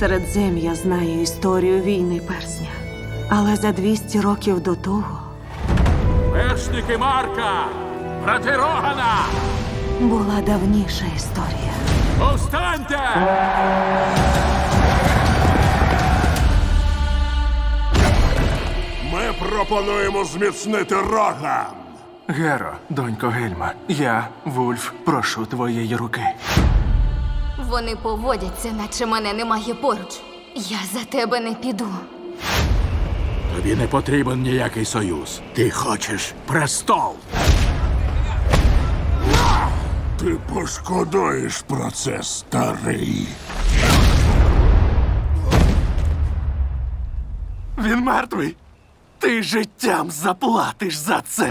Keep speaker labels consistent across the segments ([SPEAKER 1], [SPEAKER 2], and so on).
[SPEAKER 1] Середзем'я знає історію війни персня. Але за 200 років до того
[SPEAKER 2] Вершники Марка! Брати Рогана!
[SPEAKER 1] була давніша історія.
[SPEAKER 2] Повстаньте!
[SPEAKER 3] Ми пропонуємо зміцнити Роган.
[SPEAKER 4] Геро, донько Гельма, я, Вульф, прошу твоєї руки.
[SPEAKER 5] Вони поводяться, наче мене немає поруч. Я за тебе не піду.
[SPEAKER 2] Тобі не потрібен ніякий союз. Ти хочеш престол.
[SPEAKER 3] Ти пошкодуєш про це, старий.
[SPEAKER 4] Він мертвий. Ти життям заплатиш за це.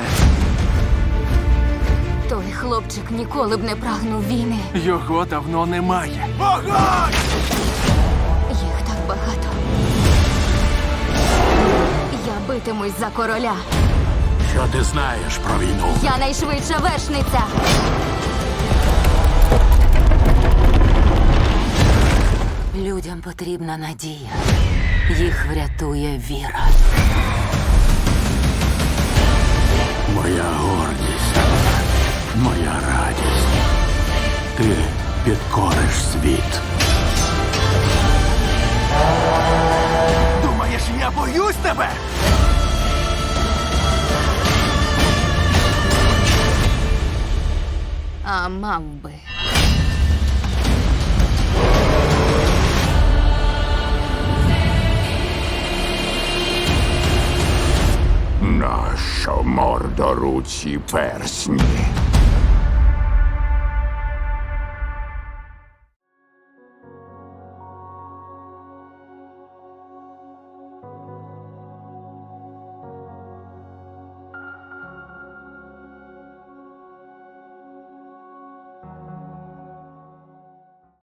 [SPEAKER 5] Той хлопчик ніколи б не прагнув війни.
[SPEAKER 4] Його давно немає.
[SPEAKER 5] Їх так багато. Я битимусь за короля.
[SPEAKER 2] Що ти знаєш про війну?
[SPEAKER 5] Я найшвидша вершниця.
[SPEAKER 6] Людям потрібна надія. Їх врятує віра.
[SPEAKER 2] Моя гордість, моя радість. Ти підкориш світ.
[SPEAKER 4] Думаєш, я боюсь тебе?
[SPEAKER 5] А мав би.
[SPEAKER 3] Нащо мордоруці персні?